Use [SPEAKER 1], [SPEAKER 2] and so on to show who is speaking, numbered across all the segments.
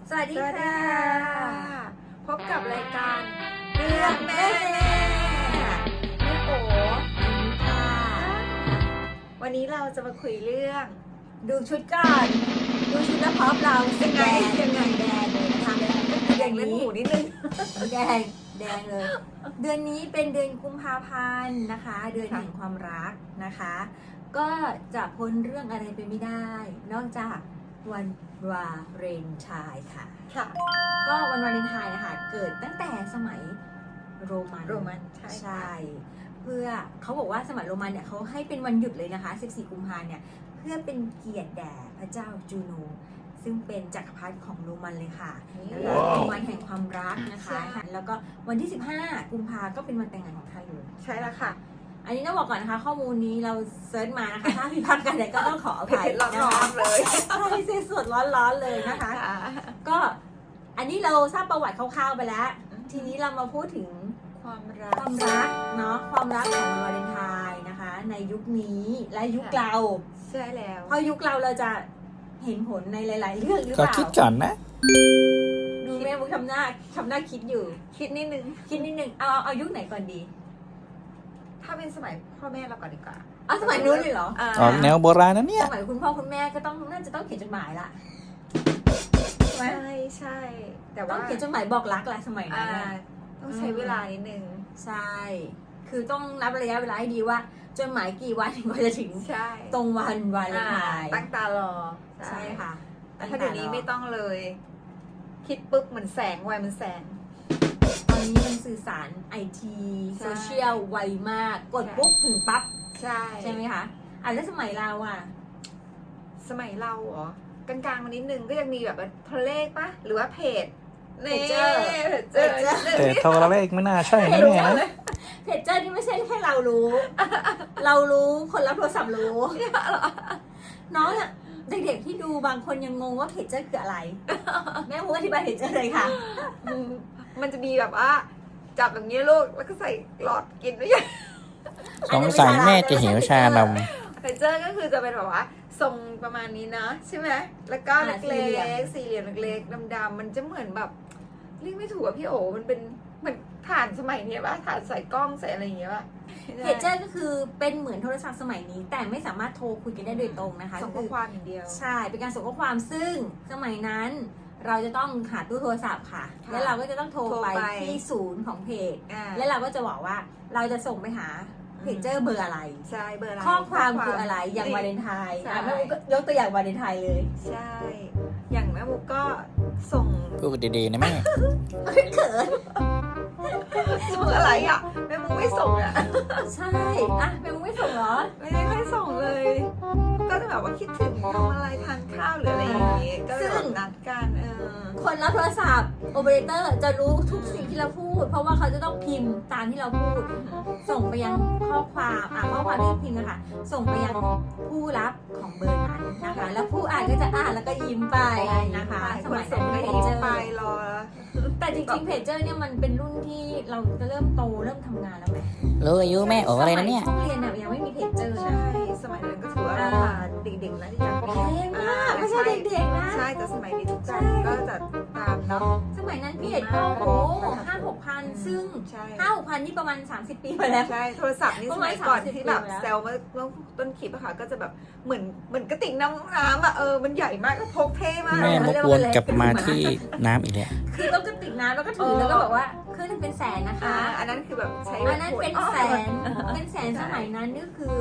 [SPEAKER 1] สวัสดีค่ะ
[SPEAKER 2] พบกับรายการ
[SPEAKER 1] เรื่องแม่
[SPEAKER 2] แม่โอ
[SPEAKER 1] ค่ะ
[SPEAKER 2] วันนี้เราจะมาคุยเรื่อง
[SPEAKER 1] ดูชุดก่อนดูชุดแล้วพร้อมเราเป็นแดง
[SPEAKER 2] ยังไง
[SPEAKER 1] แดงเลยนะคะ
[SPEAKER 2] แดงเล่นหมูนิดนึง
[SPEAKER 1] แดงเลย เดือนนี้เป็นเดือนกุมภาพันธ์นะคะ เดือนแห่งความรักนะคะ ก็จะพ้นเรื่องอะไรไปไม่ได้ นอกจากวันวาเลนไทน์ค่ะ
[SPEAKER 2] ค่ะ
[SPEAKER 1] ก็วันวาเลนไทน์นะคะเกิดตั้งแต่สมัยโรมัน
[SPEAKER 2] ใช่
[SPEAKER 1] เพื่อเขาบอกว่าสมัยโรมันเนี่ยเขาให้เป็นวันหยุดเลยนะคะ 14 กุมภาพันธ์เนี่ยเพื่อเป็นเกียรติแด่พระเจ้าจูโนซึ่งเป็นจักรพรรดิของโรมันเลยค่ะนะคะเป็นวันแห่งความรักนะคะ แล้วก็วันที่ 15 กุมภาก็เป็นวันแต่งงานของท่านเลย
[SPEAKER 2] ใช่แล้วค่ะ
[SPEAKER 1] อันนี้ต้องบอกก่อนนะคะ ข้อมูลนี้เราเซิร์ชมานะคะ ถ้าผิดพลาดกันเนี่ยก็ต้องขออภัย
[SPEAKER 2] ร้
[SPEAKER 1] นะคะ
[SPEAKER 2] อนๆเลย
[SPEAKER 1] ใช่เส้นสดร้อนๆเลยนะคะ ก็อันนี้เราทราบประวัติคร่าวๆไปแล้ว ทีนี้เรามาพูดถึง
[SPEAKER 2] ความรั
[SPEAKER 1] ค
[SPEAKER 2] ก
[SPEAKER 1] วามรักเนาะความรักของวันวาเลนไทน์นะคะ ในยุคนี้และยุคเรา
[SPEAKER 2] ใช่แล้ว
[SPEAKER 1] เพราะยุคเราจะเห็นผลในหลาย ๆ เรื่องหรือ
[SPEAKER 3] ก็
[SPEAKER 1] เปล่า
[SPEAKER 3] คิดก่อนนะ
[SPEAKER 1] ดูแม่บุ๊กทำหน้าคิดอยู่
[SPEAKER 2] คิดนิดนึง
[SPEAKER 1] คิดนิดนึงเอายุคไหนก่อนดี
[SPEAKER 2] ถ้าเป็นสมัยพ่อแม่เราก่อนดีกว่า
[SPEAKER 1] เอาสมัยนู้นเลยเหรอ
[SPEAKER 3] ออกแนวโบราณนะเนี่ย
[SPEAKER 1] สมัยคุณพ่อคุณแม่ก็น่าจะต้องเขียนจดหมายละใช่ไหม
[SPEAKER 2] ใช่ แต่
[SPEAKER 1] ต้อ
[SPEAKER 2] ว่า
[SPEAKER 1] งเขียนจดหมายบอกรักแหละสมัยนั้
[SPEAKER 2] อ่าน
[SPEAKER 1] น่ะ
[SPEAKER 2] ต้องใช้เวลานิดนึง
[SPEAKER 1] ใช่ คือต้องนับระยะเวลาให้ดีว่าจดหมายกี่วันถึงจะถึง
[SPEAKER 2] ใช่
[SPEAKER 1] ตรงวันวาเลนไทน์
[SPEAKER 2] ตั้งตารอ
[SPEAKER 1] ใช่ค่ะ
[SPEAKER 2] แต่ถ้าเดี๋ยวนี้ไม่ต้องเลย คิดปุ๊บเหมือนแสงไวมันแสง
[SPEAKER 1] ตอนนี้มันสื่อสารไอที
[SPEAKER 2] ใช่
[SPEAKER 1] โซเชียลไวมาก กดปุ๊บถึงปั๊บ
[SPEAKER 2] ใช่
[SPEAKER 1] ไหมคะแล้วสมัยเราอ่ะ
[SPEAKER 2] สมัยเราเหรอกลางๆมานิดนึงก็ยังมีแบบโทรเลขปะหรือว่าเพจ
[SPEAKER 1] เพจเจอร์
[SPEAKER 3] แต่โทรเลขไม่น่าใช่นะเนี่ยนะ
[SPEAKER 1] เพจเจอร์นี่ไม่ใช่แค่เรารู้ เรารู้คนรับโทรศัพท์รู้ น้องอะเด็กๆที่ดูบางคนยังงงว่าเพจเจอร์คืออะไร แม่พูดอธิบายเพจเจอร์เลยค่ะ
[SPEAKER 2] มันจะมีแบบว่า จับอย่างนี้ลูกแล้วก็ใส่หลอดกินด้วยกัน
[SPEAKER 3] สงสัยแม่จะหิวชานม
[SPEAKER 2] เพจเจอร์ก็คือจะเป็นแบบว่าทรงประมาณนี้นะใช่ไหมแล้วก็เล็กๆสี่เหลี่ยมเล็กๆดำๆมันจะเหมือนแบบเรียกไม่ถูกอะพี่โอมันเป็นเหมือนถ่านสมัยนี้ป่ะถ่านใส่กล้องใส่อะไรอย่างเงี้ยป่ะ
[SPEAKER 1] เพจเจอร์ก็คือเป็นเหมือนโทรศัพท์สมัยนี้ แต่ไม่สามารถโทรคุยกันได้โดยตรงนะคะ
[SPEAKER 2] ส่งข้อความอย่างเดียว
[SPEAKER 1] ใช่ เป็นการส่งข้อความซึ่งสมัยนั้นเราจะต้องหาตู้โทรศัพท์ค่ะ
[SPEAKER 2] ค่ะ
[SPEAKER 1] แล้วเราก็จะต้องโทร
[SPEAKER 2] โทร
[SPEAKER 1] ไป
[SPEAKER 2] ไป
[SPEAKER 1] ที่ศูนย์ของเพจ
[SPEAKER 2] อ่า
[SPEAKER 1] แล้วเราก็จะบอกว่าเราจะส่งไปหาเพจเจอร์เบอร์อะไร
[SPEAKER 2] ใช่เบอร์อะไร
[SPEAKER 1] ข้อความคืออะไร อย่างวาเลนไทน์
[SPEAKER 2] ใช่
[SPEAKER 1] แม่บุ๊กก็ยกตัวอย่างวาเลนไทน์เลย
[SPEAKER 2] ใช่ อย่างแม่บุ๊กก็ส่ง
[SPEAKER 3] พูดดีๆนะแม่
[SPEAKER 1] เขิน
[SPEAKER 2] ส่งอะไรอ่ะแม่บุ๊กไม่ส่งอ่ะ
[SPEAKER 1] ใช่อะแม่บุ๊กไม่ส่งเหรอ
[SPEAKER 2] ไม่ได้ค่อยส่งเลย ก็จะแบบว่าคิดถึงทำอะไรทานข้าวหรืออะไรอย่างเงี้ยก็เลยแบบนัดกัน
[SPEAKER 1] คนรับโทรศัพท์โอเปอเรเตอร์จะรู้ทุกสิ่งที่เราพูด เพราะว่าเขาจะต้องพิมพ์ตามที่เราพูด ส่งไปยังข้อความข้อความที่พิมพ์นะคะส่งไปยังผู้รับของเบอร์นั้นนะคะ แล้วผู้อ่านก็จะอ่านแล้วก็ยิ้มไปนะคะ
[SPEAKER 2] ส
[SPEAKER 1] ส
[SPEAKER 2] มั
[SPEAKER 1] มั
[SPEAKER 2] ย
[SPEAKER 1] ย
[SPEAKER 2] ส่
[SPEAKER 1] นั้
[SPEAKER 2] ง
[SPEAKER 1] น
[SPEAKER 2] ก็
[SPEAKER 1] เพ
[SPEAKER 2] ยิ้
[SPEAKER 1] จ
[SPEAKER 2] ม
[SPEAKER 1] เจอ
[SPEAKER 2] ไป
[SPEAKER 1] ร์
[SPEAKER 2] รอ
[SPEAKER 1] แต่จริงๆเพจเจอร์เนี่ยมันเป็นรุ่นที่เราจะเริ่มโตเริ่มทำงานแล้วไหม
[SPEAKER 3] รู้อายุแม่โออะไรนะเนี่ย
[SPEAKER 1] สมัช่วงเรียนน่ะยังไม่มีเพจเจอร์
[SPEAKER 2] ใช่
[SPEAKER 1] นะ
[SPEAKER 2] สมัยนั้นก็ถือว่าราคาเด็กๆนะที่อยาก
[SPEAKER 1] แพงมากไม่ใช่เด็กๆนะ
[SPEAKER 2] ใช่แต่สมัยนี้ทุกคนก็จะตามเนาะ
[SPEAKER 1] สมัยนั้นเพจก็โอ้โห5-6 พันซึ่ง
[SPEAKER 2] ใช่
[SPEAKER 1] 5-6 พันนี่ประมาณ30 ปีมาแล้ว
[SPEAKER 2] ใช่โทรศัพท์นี่
[SPEAKER 1] ป
[SPEAKER 2] ส
[SPEAKER 1] ระมาณ
[SPEAKER 2] มัยก่อน
[SPEAKER 1] 30
[SPEAKER 2] ที่แบบ
[SPEAKER 1] ปีแล้ว
[SPEAKER 2] แซลเมื่อต้นคลิปอะค่ะก็จะแบบเหมือนกระติกน้ำอะมันใหญ่มากก็พกเท่มาก
[SPEAKER 3] แม่มกวนกลับมาที่น้ำอีกแล้ว
[SPEAKER 1] คือต้องกระติกน้ำแล้วก็ถือแล้วก็บอกว่าเครื่องนึงเป็นแสนนะคะ
[SPEAKER 2] อันนั้นคือแบบใช้
[SPEAKER 1] อันนั้นเป็นแสนเป็นแสนสมัยนั้นนี่คือ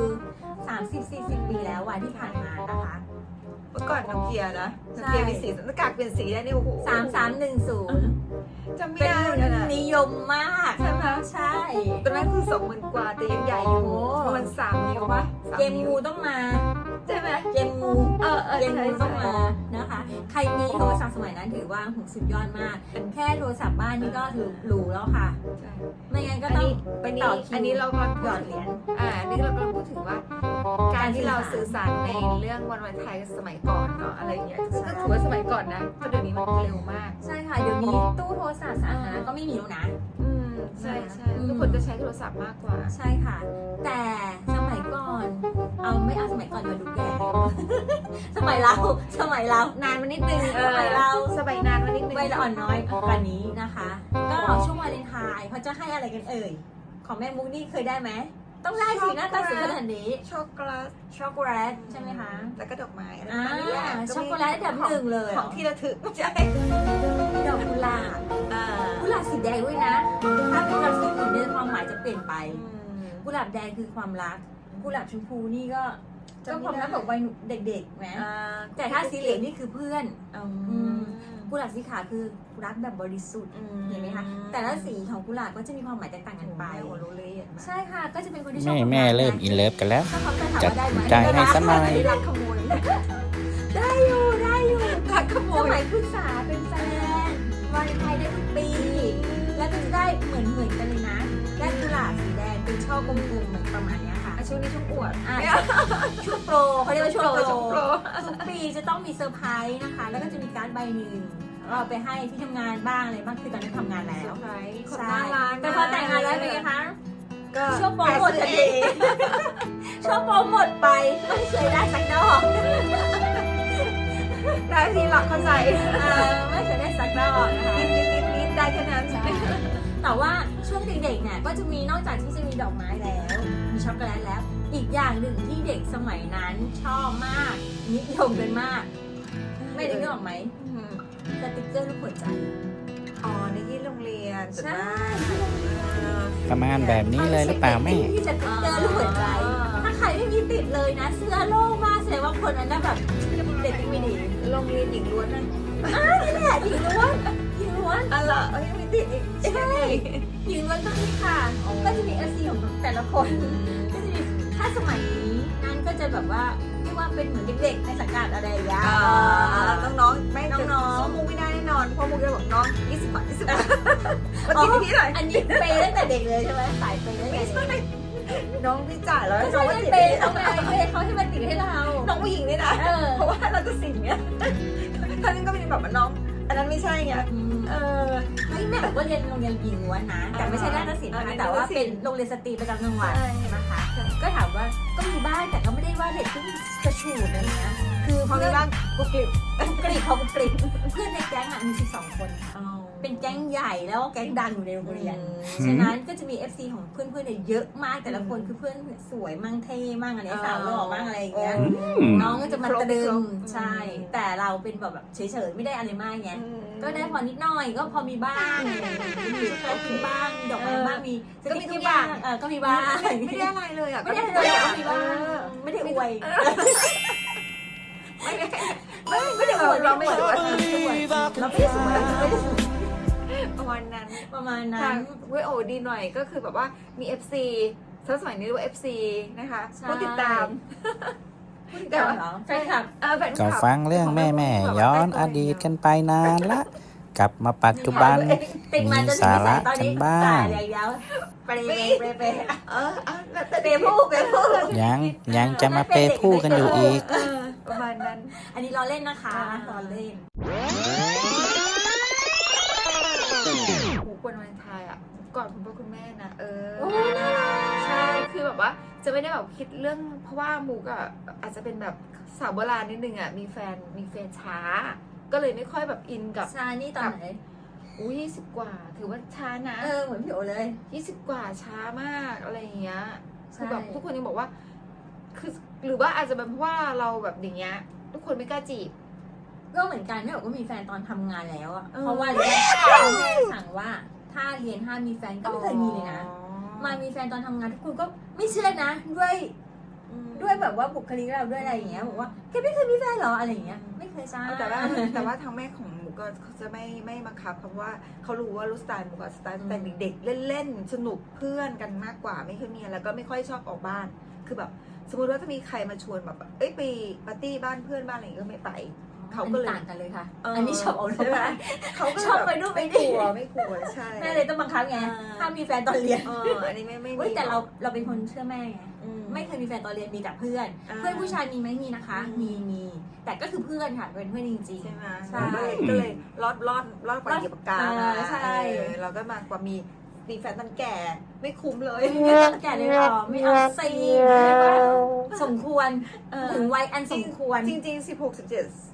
[SPEAKER 1] 30-40 ปีแล้วที่ผ่านมานะคะ
[SPEAKER 2] เมื่อก่อนโนเกียนะโนเกียมีสีหน้ากากเปลี่ยนสีได้นี่โอ้โห
[SPEAKER 1] 3310
[SPEAKER 2] จำไม่
[SPEAKER 1] เป็น
[SPEAKER 2] ได้
[SPEAKER 1] รุ่
[SPEAKER 2] เลย
[SPEAKER 1] น
[SPEAKER 2] นะ
[SPEAKER 1] นิยมมาก
[SPEAKER 2] ใช่ไหม
[SPEAKER 1] ใช่
[SPEAKER 2] ตอนนั้นคือ20,000 กว่าแต่ยังใหญ่อยู่
[SPEAKER 1] โอ้
[SPEAKER 2] ประมาณ3 นิ้วปะ3
[SPEAKER 1] เกม
[SPEAKER 2] นิ้ว
[SPEAKER 1] งูต้องมา
[SPEAKER 2] ใช่ไหม
[SPEAKER 1] เกมงู เกมงูต้องมานะคะ ใครมีโทรศัพท์สมัยนั้นถือว่าสุดยอดมาก แค่โทรศัพท์บ้านนี่ก็ถือหรูแล้วค่ะ
[SPEAKER 2] ใช่
[SPEAKER 1] ไม่งั้นก็ต้องไปต่อคิว
[SPEAKER 2] อันนี้เรากำลัง
[SPEAKER 1] หยอดเหรียญ
[SPEAKER 2] อันนี้เรากำลังพูดถึงว่า การที่เราสื่อสารในเรื่องวันวาเลนไทน์สมัยก่อนเนาะอะไรอย่างเงี้ยก็ถือว่าสมัยก่อนนะเพราะเดี๋ยวนี้มันเร็วมาก
[SPEAKER 1] ใช่ค่ะ เดี๋ยวนี้ตู้โทรศัพท์สาธารณะก็ไม่มีแล้วนะ
[SPEAKER 2] ใช่ใช่ทุกคนจะใช้โทรศัพท์มากกว่า
[SPEAKER 1] ใช่ค่ะ แต่สมัยก่อน ไม่เอาสมัยก่อนมาดูแก่ สมัยเรา
[SPEAKER 2] นานมานิดนึง
[SPEAKER 1] สมัยเรา
[SPEAKER 2] สมัยนานมานิด
[SPEAKER 1] วัยละอ่อนน้อยกว่านี้นะคะ ก็ช่วงวาเลนไทน์เขาจะให้อะไรกันเอ่ยของแม่มุกนี่เคยได้ไหมต้องได้สิหน้าตาสวยขนาดนี้
[SPEAKER 2] ช็อกโกแลต
[SPEAKER 1] ช็อกโกแลตใช่ไหมคะ
[SPEAKER 2] แล้วก็ดอกไม้อะไร
[SPEAKER 1] อ่า
[SPEAKER 2] นี่แหละ
[SPEAKER 1] ช็อกโกแลตอันดับหนึ่งเลย
[SPEAKER 2] ของที่ระทึกไม่ใช่
[SPEAKER 1] ดอกกุหลาบกุหลาบสีแดงด้วยนะถ้าเป็นกุหลาบสีอื่นเนี่ยความหมายจะเปลี่ยนไปกุหลาบแดงคือความรักกุหลาบชมพูนี่ก็ความรักแบบวัยเด็กๆนะแต่ถ้าสีเหลืองนี่คือเพื่อนกุหลาบสีขาวคือรักแบบบริสุทธิ์เห็นไหมคะแต่ละสีของกุหลาบก็จะมีความหมายแตกต่างกันไป
[SPEAKER 2] รู้เลยเห็นไหม
[SPEAKER 1] ใช่ค่ะก็จะเป็นคนที่ชอบ
[SPEAKER 3] แม่เริ่มอินเลิฟกันแล้ว
[SPEAKER 1] ถ้าเขาจะถาม
[SPEAKER 3] จัด
[SPEAKER 1] ว่าได้ไหม
[SPEAKER 3] ใจให้สักหน่อย
[SPEAKER 2] รักขโมย
[SPEAKER 1] ได้อยู่
[SPEAKER 2] รักขโม
[SPEAKER 1] ส
[SPEAKER 2] ย
[SPEAKER 1] มัยปรึกษาเป็นแฟนวาเลนไทน์ได้ทุกปี แล้วก็จะได้เหมือนกันเลยนะได้กุหลาบสีแดงเป็นช่อกลมๆเหมือนประมาณเนี้ยค่ะ
[SPEAKER 2] ช่วงนี้ช่วงอวด
[SPEAKER 1] ช่วงโปรเขาเรียกว่าช่วงโปร
[SPEAKER 2] ช่วงโปร
[SPEAKER 1] ทุกปีจะต้องมีเซอร์ไพรส์นะคะ แล้วก็จะมีการ์ดใบหนึ่งเราไปให้ที่ทำงานบ้างอะไรบ้างคือตอนนี้ทำงานแล้ว
[SPEAKER 2] คนน่ารัก
[SPEAKER 1] แต่พอแต่งงานแล้วเป็นไงคะ
[SPEAKER 2] ก็
[SPEAKER 1] ช่วงโปรหมดทันทีช่วงโปรหมดไปไม่เคยได้สักดอก
[SPEAKER 2] ได้ทีหลักเข้าใจ
[SPEAKER 1] ไม่เคยได้สักดอกนะคะ
[SPEAKER 2] นิดได้แค่นั้น
[SPEAKER 1] แต่ว่าช่วงเด็กๆเนี่ยก็จะมีนอกจากที่จะมีดอกไม้แล้ว มีช็อกโกแลตแล้ว อีกอย่างหนึ่งที่เด็กสมัยนั้นชอบมากนิยมกันมาก ไม่ได้นึกออกไหมสติ๊กเกอร์รูปหัวใจ
[SPEAKER 2] อ๋อในที่โรงเรียน
[SPEAKER 1] ใช่
[SPEAKER 3] ประมาณแบบนี้เลยหรือเปล่าแม่
[SPEAKER 1] ที่สติ๊กเกอร์รูปหัวใจ ถ้าใครไม่มีติดเลยนะ เสื้อโล่งมากแสดงว่าคนนั้นน่ะแบบเด็กไม่ดี
[SPEAKER 2] โรงเรียนหญิงล้วนนั่น
[SPEAKER 1] นี่แหละหญิงล้วนหญิงล้วน
[SPEAKER 2] อะไรยังไม่ติดอีก
[SPEAKER 1] ใช่หญิงล้วนก็มีค่ะก็จะมีเอซีของแต่ละคนก็จะมีถ้าสมัยนั้นก็จะแบบว่าเรียกว่าเป็นเหมือนเด็กๆในสังกัดอะไรอย่างเงี้ย
[SPEAKER 2] น้องๆไม่
[SPEAKER 1] น้องๆ
[SPEAKER 2] สู้มุกไม่ได้แน่นอนเพราะมุกจะบอกน้อง20 บาท20 บาทมากินที่ไหน
[SPEAKER 1] อันนี้เปย์ตั้งแต่เด็กเลยใช่ไหมสายเปย์ตั้งแต่เด็ก
[SPEAKER 2] น้องพี่จ่ายแล้ว
[SPEAKER 1] ก็
[SPEAKER 2] น้
[SPEAKER 1] ใช่
[SPEAKER 2] อง
[SPEAKER 1] ไม่
[SPEAKER 2] ว่าติด
[SPEAKER 1] เปย์เขาไงเปย์เขาให้มันติดให้เรา
[SPEAKER 2] น้องผู้หญิงนี่นะ เพราะว่าเราจะสิ่งเนี้ยท่านก็เป็นแบบว่าน้อง อันนั้นไม่ใช่ไง
[SPEAKER 1] ไม่แม่บอกว่าเรียนโรงเรียนหญิงล้วนนะ แต่ไม่ใช่นาฏศิลป์นะคะแต่ว่าเป็นโรงเรียนสตรีประจำจังหวัดนะคะ ก็ถามว่าก็มีบ้างแต่ก็ไม่ได้ว่าเด็กที่กระฉูดอะไรเงี้ยคือ
[SPEAKER 2] พอ
[SPEAKER 1] เพื่
[SPEAKER 2] มี
[SPEAKER 1] อน
[SPEAKER 2] บ้างกุกกิบ
[SPEAKER 1] กรีบเขากรีบเพื่อนในแก๊งอ่ะมี12 คน เป็นแก๊งใหญ่แล้วก็แก๊งดังอยู่ในโรงเรียน ฉะนั้นก็จะมี FC ของเพื่อนๆเนี่ยเยอะมากแต่ละคนคือเพื่อนสวยมั่งเท่มั่งอะไรสาวหล่อมั่งอะไรอย่างเงี้ยน้องก็จะมาตะดึงใช่ แต่เราเป็นแบบเฉยๆไม่ได้อะไรมากไงก็ได้พอนิดหน่อยก็พอมีบ้างมีช็อกโกแลตกินบ้างมีดอกไม้บ้างมีก็มีทุกอย่างก็มีบ้าง
[SPEAKER 2] ไม่ได้อะไรเลยอ่ะ
[SPEAKER 1] ไม่ได้เลยก็มีบ้างไม่ได้อวย
[SPEAKER 2] ไม่ได้อวดเราไม่ได้อวด
[SPEAKER 1] เราไม่ได้สวยไม่ได้สวย
[SPEAKER 2] ประมาณนั้น
[SPEAKER 1] ประมาณนั้
[SPEAKER 2] ทาน งเวยโอดีหน่อยก็คือแบบว่ามี FC สมัยนี้เรียกว่า FC นะคะผู้ติดตาม
[SPEAKER 1] แต่ว่าแฟนคลับ
[SPEAKER 2] แฟนค
[SPEAKER 3] ก็
[SPEAKER 2] ลับ
[SPEAKER 3] ฟังเรื่องแม่ย้อนอดีตกันไปนานละ กลับมาปัจจุบัน มีสาระกันบ้าง
[SPEAKER 1] เปรย์เปย์
[SPEAKER 2] แต่
[SPEAKER 1] เปย์ผู้เปย์ผู้
[SPEAKER 3] ยังจะมาเปย์ผู้กันอยู่อีก
[SPEAKER 2] ประมาณนั้น
[SPEAKER 1] อันนี้ล้อเล่นนะคะล้อเล่น
[SPEAKER 2] หูควรวันไทยอ่ะก่อนคุณพ่อคุณแม่นะ
[SPEAKER 1] โอ้น่ารัก
[SPEAKER 2] ใช่ คือแบบว่าจะไม่ได้แบบคิดเรื่องเพราะว่ามุกอ่ะอาจจะเป็นแบบสาวโบราณนิดนึงอ่ะมีแฟนช้า ก็เลยไม่ค่อยแบบอินกับ
[SPEAKER 1] ชานี่ตอนไหน
[SPEAKER 2] อุ้ย20 กว่า ถือว่าช้านะ
[SPEAKER 1] เหมือนพี่โอเลย
[SPEAKER 2] 20 กว่าช้ามากอะไรอย่างเงี้ย
[SPEAKER 1] ใช่
[SPEAKER 2] คือแบบทุกคนยังบอกว่า คือหรือว่าอาจจะเป็นเพราะว่าเราแบบอย่างเงี้ยทุกคนไม่กล้าจีบ
[SPEAKER 1] ก็เหมือนกันแม่บอกว่ามีแฟนตอนทำงานแล้วอ่ะ
[SPEAKER 2] เออ
[SPEAKER 1] เพราะว่าแม่สั่งว่าถ้าเรียนห้ามมีแฟนก็ไม่เคยมีเลยนะ มามีแฟนตอนทำงานทุกคนก็ไม่เชื่อนะด้วยแบบว่าบุคลิกเราด้วยอะไรอย่างเงี้ยบอกว่าแกไม่เคยมีแฟนเหรออะไรอย่างเงี้ยไม่เคยจ้า
[SPEAKER 2] แต่ว่าทางแม่ของหมูก็จะไม่บังคับเพราะว่าเขารู้ว่ารู้สไตล์หมูกับสไตล์แต่เด็กๆเล่นๆสนุกเพื่อนกันมากกว่าไม่เคยมีแล้วก็ไม่ค่อยชอบออกบ้านคือแบบสมมติว่าจะมีใครมาชวนแบบเอ้ยไปปาร์ตี้บ้านเพื่อนบ้านอะไรอย่างเงี้ยก็ไม่ไปเขาก็เลย
[SPEAKER 1] ต่างกันเลยค่ะ อันนี้ชอบเอา
[SPEAKER 2] ใช่ไหมเขาก็
[SPEAKER 1] ชอบไปนู่นไป
[SPEAKER 2] ไม่
[SPEAKER 1] นี่
[SPEAKER 2] กลัวใช่
[SPEAKER 1] แม่เลยต้องบังคับไงห้ามมีแฟนตอนเรียน
[SPEAKER 2] อันนี้ไม่
[SPEAKER 1] เว้ยแต่เราเป็นคนเชื่อแม่ไงไม่เคยมีแฟนตอนเรียนมีแต่เพื่อน เพื่อนผู้ชายมีไหมมีนะคะ มีแต่ก็คือเพื่อนค่ะเป็นเพื่อนจริง
[SPEAKER 2] ใช่ไหม
[SPEAKER 1] ใช่
[SPEAKER 2] ก็เลยรอดกว่าเหยียบปากกามา
[SPEAKER 1] ใช่
[SPEAKER 2] เราก็มากว่ามีแฟนตอนแก่ไม่คุ้มเลย
[SPEAKER 1] ๆไม่ต้องแก่เลยหรอไม่เอาซีสมควรถึงวัยอันสมควร
[SPEAKER 2] จริงๆ16 17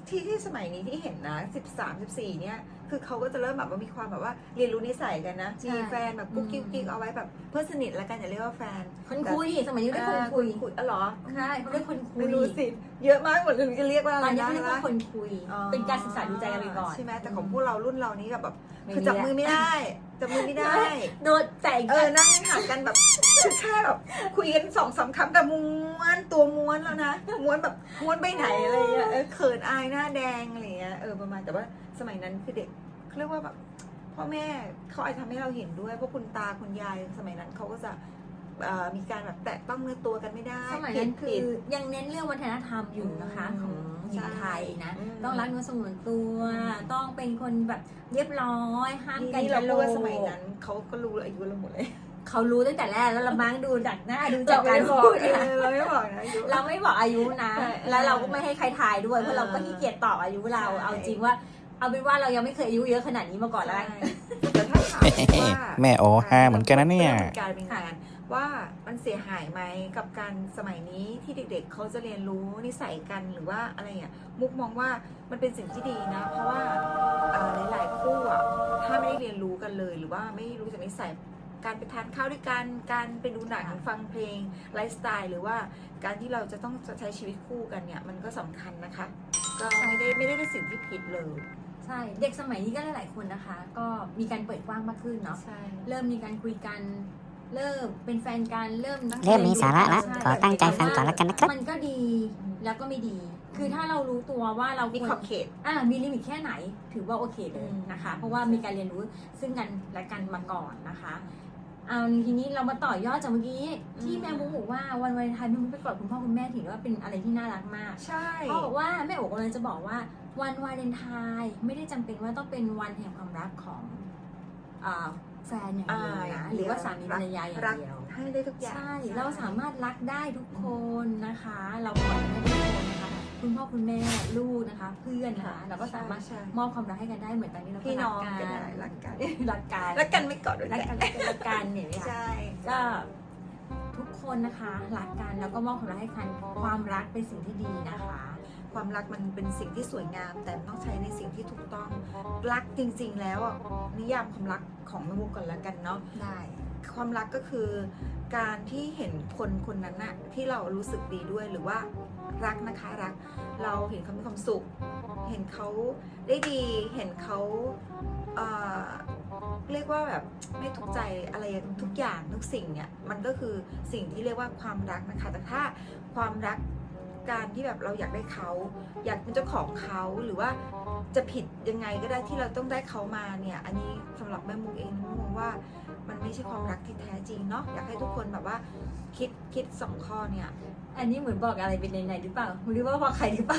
[SPEAKER 2] ที่สมัยนี้ที่เห็นนะ13-14เนี่ยคือเขาก็จะเริ่มแบบว่ามีความแบบว่าเรียนรู้นิสัยกันนะมีแฟนแบบกุ๊กกิ๊กเอาไว้แบบเพื่อนสนิทแล้วกันอย่าเรียกว่าแฟน
[SPEAKER 1] คนคุยสมัยนี้เรียกคนคุย
[SPEAKER 2] คุยอ๋อเหรอ
[SPEAKER 1] ใช่เขาเรียกคนคุ
[SPEAKER 2] ไม่
[SPEAKER 1] ย
[SPEAKER 2] รู้สิเยอะมากหมดเลยจะเรียกว่าอะ
[SPEAKER 1] ต
[SPEAKER 2] ไร
[SPEAKER 1] อนนี้
[SPEAKER 2] นะ
[SPEAKER 1] เขาเรียกว่าคนคุย เป็นการศึกษาดูใจกันไปก่อน
[SPEAKER 2] ใช่ไหมแต่ของพวกเรารุ่นเรานี้แบบ
[SPEAKER 1] ไม่
[SPEAKER 2] คือจับมือไม่ได้จับมือไม่ได้
[SPEAKER 1] โดนแต่
[SPEAKER 2] นั่งห่างกันแบบคือแค่แบบคุยกัน2-3 คำแต่ม้วนตัวม้วนแล้วนะม้วนแบบม้วนไปไหนอะไรเงี้ยเขินอายหน้าแดงอะไรเงี้ยประมาณแต่ว่าสมัยนั้นคือเด็กเขาเรียกว่าแบบพ่อแม่เขาอาจจะทำให้เราเห็นด้วยเพราะคุณตาคุณยายสมัยนั้นเขาก็จะมีการแบบแตะต้องเนื้อตัวกันไม่ได้
[SPEAKER 1] สมัยนั้นคือยังเน้นเรื่องวัฒนธรรมอยู่นะคะของหญิงไทยนะ ต้องรักเนื้อสงวนตัว ต้องเป็นคนแบบเรียบร้อยห้ามกัน
[SPEAKER 2] นี่
[SPEAKER 1] ก
[SPEAKER 2] เรา
[SPEAKER 1] ระโหล
[SPEAKER 2] พูด
[SPEAKER 1] ก
[SPEAKER 2] ว่าสมัยนั้นเขาก็รู้อายุเราหมดเลย
[SPEAKER 1] เขารู้ตั้งแต่แรกแล้วเราบ้างดูจากหน้าดูจาก
[SPEAKER 2] เรา
[SPEAKER 1] การ
[SPEAKER 2] ไม่บอ
[SPEAKER 1] พู
[SPEAKER 2] ก
[SPEAKER 1] ดนะ
[SPEAKER 2] เราไม่บอกนะอายุ
[SPEAKER 1] เราไม่บอกอายุนะ
[SPEAKER 2] ใช่
[SPEAKER 1] แล้วเราก็ไม่ให้ใครทายด้วยเพราะเราก็ขี้เกียจตอบอายุเรา
[SPEAKER 2] ใช่
[SPEAKER 1] เอาจริงว่าเอาเป็นว่าเรายังไม่เคยอายุเยอะขนาดนี้มาก่อนแล้วกัน
[SPEAKER 2] แต่ถ้าถามว่า
[SPEAKER 3] แม่โอฮาเหมือนกันนะเนี่ย
[SPEAKER 2] การเป็นงานว่ามันเสียหายไหมกับการสมัยนี้ที่เด็กๆเขาจะเรียนรู้นิสัยกันหรือว่าอะไรอ่ะมุกมองว่ามันเป็นสิ่งที่ดีนะ เพราะว่าหลายๆคู่อ่ะถ้าไม่ได้เรียนรู้กันเลย หรือว่าไม่รู้จักนิสัยการไปทานข้าวด้วยกันการไปดูหนังฟังเพลงไลฟ์สไตล์หรือว่าการที่เราจะต้องใช้ชีวิตคู่กันเนี่ยมันก็สำคัญนะคะ ก็ไม่ได้เป็นสิ่งที่ผิดเลย
[SPEAKER 1] ใช่เด็กสมัยนี้ก็หลายๆคนนะคะ ก็มีการเปิดกว้างมากขึ้นเนาะ
[SPEAKER 2] ใช่
[SPEAKER 1] เริ่มมีการคุยกัน เริ่มเป็นแฟนกันเริ่มตั้งใจ
[SPEAKER 3] เริ่มมีสาระละ
[SPEAKER 1] ใช่
[SPEAKER 3] ขอตั้งใจฟังก่อนแล้วกันนะครับ
[SPEAKER 1] มันก็ดีแล้วก็ไม่ดี คือถ้าเรารู้ตัวว่าเรา
[SPEAKER 2] มี
[SPEAKER 1] คว
[SPEAKER 2] ขอบ
[SPEAKER 1] ร
[SPEAKER 2] เขต
[SPEAKER 1] มีลิมิตแค่ไหน ถือว่าโอเคเลยนะคะ เพราะว่ามีการเรียนรู้ซึ่งกันและกันมาก่อนนะคะเอาทีนี้เรามาต่อยอดจากเมื่อกี้ที่แม่บุ๊กบอกว่าวันวาเลนไทน์แม่บุ๊กไปกอดคุณพ่อคุณแม่ถือว่าเป็นอะไรที่น่ารักมาก
[SPEAKER 2] ใช่
[SPEAKER 1] เขาบอกว่าแม่โอ๋กำลังจะบอกว่าวันวาเลนไทน์ไม่ได้จำเป็นว่าต้องเป็นวันแห่งความรักของแฟนอย่างเดียวนะหรือว่าสามีภรรยาอย่าง
[SPEAKER 2] รัก
[SPEAKER 1] เดียว
[SPEAKER 2] ให้ได้ทุกอย่าง
[SPEAKER 1] ใช่ เราสามารถรักได้ทุกคนนะคะ เราปล่อยได้ทุกคนนะคะคุณพ่อคุณแม่ลูกนะคะ เพื่อนนะคะเราก็สามารถ
[SPEAKER 2] ใช่
[SPEAKER 1] มอบความรักให้กันได้เหมือนตอนนี้เราก็
[SPEAKER 2] พี่น้อง
[SPEAKER 1] รั
[SPEAKER 2] กันได้รักกัน
[SPEAKER 1] รักกัน
[SPEAKER 2] รักกันไม่กอดด้วย
[SPEAKER 1] รัก
[SPEAKER 2] กั
[SPEAKER 1] กัน นรักกันรักกันเนี่ยค่ะ
[SPEAKER 2] ใช่
[SPEAKER 1] ก็ทุกคนนะคะรักกันแล้วก็มอบความรักให้กันความรักเป็นสิ่งที่ดีนะคะ
[SPEAKER 2] ความรักมันเป็นสิ่งที่สวยงาม แต่ต้องใช้ในสิ่งที่ถูกต้องรักจริงๆแล้วอ่ะนิยามความรักของแม่มุกก่อนละกันเนาะ
[SPEAKER 1] ได้
[SPEAKER 2] ความรักก็คือการที่เห็นคนคนนั้นน่ะที่เรารู้สึกดีด้วยหรือว่ารักนะคะรักเราเห็นเขามีความสุข เห็นเขาได้ดีเห็นเขาเรียกว่าแบบไม่ทุกข์ใจอะไรทุกอย่างทุกสิ่งเนี่ยมันก็คือสิ่งที่เรียกว่าความรักนะคะแต่ถ้าความรักการที่แบบเราอยากได้เขาอยากเป็นเจ้าของเขาหรือว่าจะผิดยังไงก็ได้ที่เราต้องได้เขามาเนี่ยอันนี้สำหรับแม่มุกเองมุกมองว่ามันไม่ใช่ความรักที่แท้จริงเนาะอยากให้ทุกคนแบบว่าคิด2 ข้อเนี่ย
[SPEAKER 1] อันนี้เหมือนบอกอะไรเป็นในหรือเปล่าหรือว่าพอใครหรือเปล่า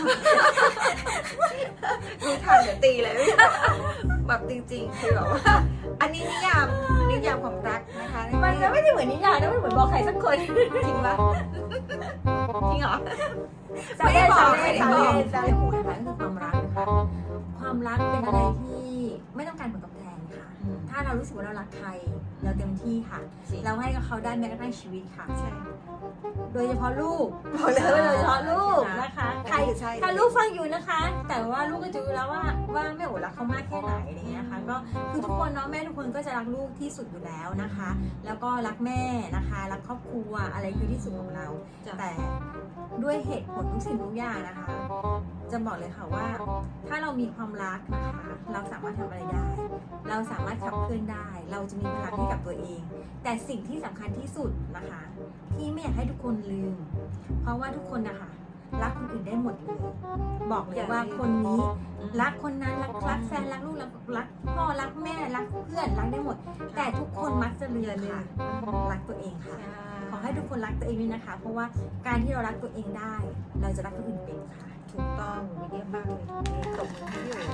[SPEAKER 2] ดูทันเดี๋ยวตีเลย แบบจริงๆคือแบบว่าอันนี้นิยามความรักนะคะ
[SPEAKER 1] มันก็ไม่ได้เหมือนนิยายนะไม่เหมือนบอกใครสักคน
[SPEAKER 2] จริงปะจริงเหรอ
[SPEAKER 1] ไม่ได้บอก
[SPEAKER 2] ไม่
[SPEAKER 1] ไม่
[SPEAKER 2] ได้
[SPEAKER 1] ได้
[SPEAKER 2] บบ อ
[SPEAKER 1] อก กนะคะก็คือความรักนะคะความรักเป็นอะไรที่ไม่ต้องการผลตอบแทนค่ะ ถ้าเรารู้สึกว่าเรารักใครเราเต็มที่ค่ะ เราให้กับเขาได้แม้กระทั่งชีวิตค่ะ
[SPEAKER 2] ใช่
[SPEAKER 1] โดยเฉพาะลูกบอกเลยว่าโดยเฉพาะลูกนะคะใคร
[SPEAKER 2] ใช่
[SPEAKER 1] ถ้าลูกฟังอยู่นะคะ แต่ว่าลูกก็จะรู้แล้วว่าแม่โอ๋รักเขามากแค่ไหนอะไรเงี้ยค่ะก็คือทุกคนเนาะแม่ทุกคนก็จะรักลูกที่สุดอยู่แล้วนะคะ แล้วก็รักแม่นะคะรักครอบครัวอะไรคือที่สุดของเรา แต่ด้วยเหตุผลทุกสิ่งทุกอย่างนะคะ จะบอกเลยค่ะว่า ถ้าเรามีความรักนะคะ เราสามารถทำอะไรได้ เราสามารถขับเคลื่อนได้ เราจะมีพลังให้กับตัวเอง แต่สิ่งที่สำคัญที่สุดนะคะ ที่ไม่อยากให้ทุกคนลืม เพราะว่าทุกคนนะคะรักคนอื่นได้หมดเลย บอกเลยว่าคนนี้รักคนนั้นรักแฟนรักลูกรักพ่อรักแม่รักเพื่อนรักได้หมด แต่ทุกคนมักจะลืมค่ะรักตัวเองค่ะ ขอให้ทุกคนรักตัวเองด้วยนะคะ เพราะว่าการที่เรารักตัวเองได้ เราจะรักคนอื่นเป็นค่ะ
[SPEAKER 2] ถูกต้องเยี่ยมมากเลยทุกทีตบมือให้พี่โอ๋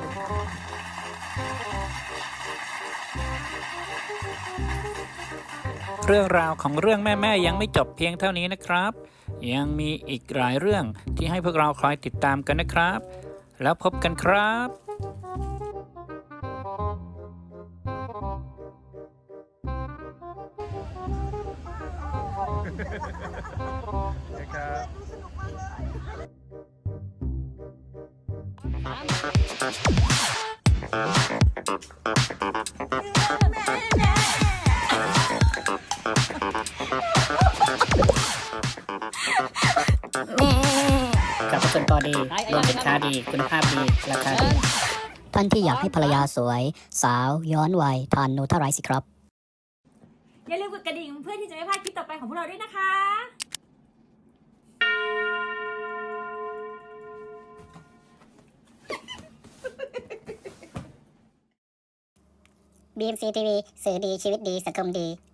[SPEAKER 3] เรื่องราวของเรื่องแม่ๆยังไม่จบเพียงเท่านี้นะครับ ยังมีอีกหลายเรื่องที่ให้พวกเราคอยติดตามกันนะครับ แล้วพบกันครับ
[SPEAKER 4] สนุกมากเลยกับส่วนต่อดีรวมสินค้าดีคุณภาพดีราคาดีท่านที่อยากให้ภรรยาสวย สาวย้อนวัยทานนูทาไรสิครับ
[SPEAKER 1] อย่าลืมกดกระดิ่งเพื่อที่จะไม่พลาดคลิปต่อไปของพวกเราด้วยนะคะ
[SPEAKER 4] BMC TV สื่อดีชีวิตดีสังคมดี